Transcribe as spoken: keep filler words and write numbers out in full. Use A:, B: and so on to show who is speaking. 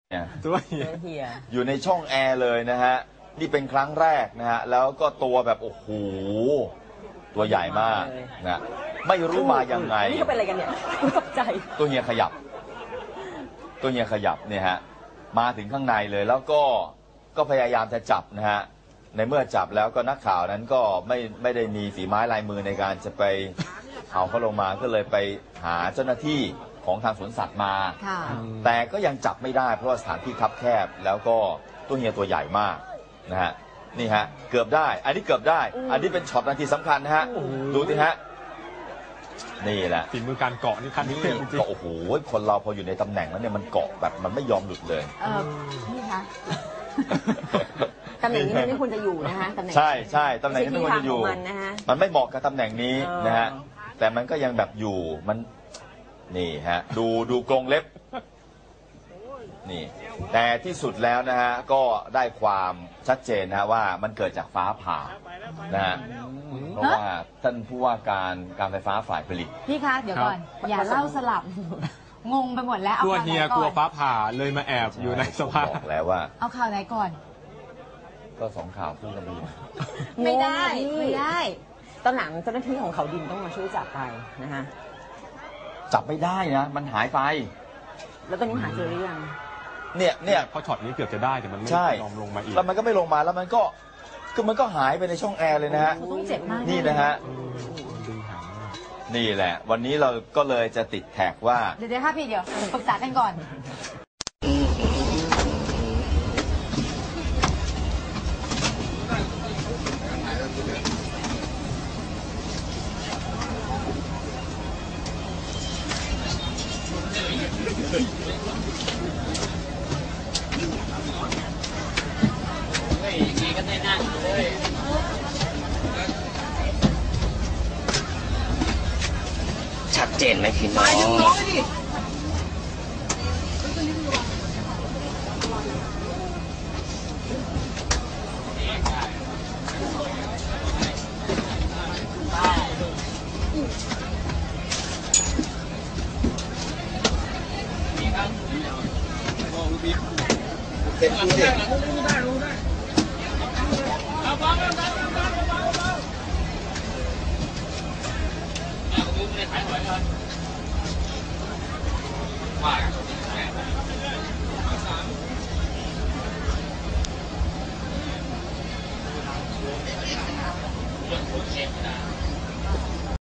A: ตัวเฮีย
B: อยู่ในช่องแอร์เลยนะฮะนี่เป็นครั้งแรกนะฮะแล้วก็ตัวแบบโอ้โหตัวใหญ่มากนะไม่รู้มายังไง
A: นี่เขาเป็นอะไรกันเนี่ยตกใจ
B: ตัวเฮียขยับตัวเฮียขยับเนี่ยฮะมาถึงข้างในเลยแล้วก็ก็พยายามจะจับนะฮะในเมื่อจับแล้วก็นักข่าวนั้นก็ไม่ไม่ได้มีฝีไม้ลายมือในการจะไปเอาเขาลงมาก็เลยไปหาเจ้าหน้าที่ของทางสวนสัตว์มาแต่ก็ยังจับไม่ได้เพราะว่าสถานที่คับแคบแล้วก็ตัวเฮียตัวใหญ่มากนะฮะนี่ฮะเกือบได้อันนี้เกือบได้อันนี้เป็นช็อตนาทีสำคัญนะฮะดูสิฮะนี่แหละ
C: ฝีมือการเกาะนี่คันนี้จริง
B: ๆโอ้โหคนเราพออยู่ในตำแหน่งแล้วเนี่ยมันเกาะแบบมันไม่ยอมหลุดเลย
A: เออนี่คะตำแหน่งนี้มันไม่ควรจะอยู่นะฮะตำแหน่ง
B: ใช่ใช่ตำแหน่งนี้ไม่ควรจะอยู่มันไม่เหมาะกับตำแหน่งนี้นะฮะแต่มันก็ยังแบบอยู่มันนี่ฮะดูดูกรงเล็บนี่แต่ที่สุดแล้วนะฮะก็ได้ความชัดเจนนะว่ามันเกิดจากฟ้าผ่านะฮะเพราะว่าท่านผู้ว่าการการไฟฟ้าฝ่ายผลิต
D: พี่คะเดี๋ยวก่อนอย่าเล่าสลับงงไปหมดแล้ว
C: ตัวเฮียกลัวฟ้าผ่าเลยมาแอบอยู่ในสภาพ
B: บอกแล้วว่า
D: เอาข่าวไหนก่อน
B: ก็สองข่าวคู่กันดี
A: ไม่ได้ไม่ได้ตอนหลังเจ้าหน้าที่ของเขาดินต้องมาช่วยจับไปนะฮะ
B: จับไม่ได้นะมันหายไป
A: แล้วตอนนี้หาเจอหรือยัง
B: เนี่ยเนี่ย
C: พอช็อตนี้เกือบจะได้แต่มันไม่ยอมลงมาอีก
B: แล้วมันก็ไม่ลงมาแล้วมันก็คือมันก็หายไปในช่องแอร์เลยนะฮะ
D: ต้องเจ็บมาก
B: นี่นะฮะนี่แหละวันนี้เราก็เลยจะติดแท็กว่า
D: เดี๋ยวค่ะพี่เดี๋ยวปรึกษากันก่อน
E: ชัดเจนไหมพี่น้องเต็มที่เลยว่า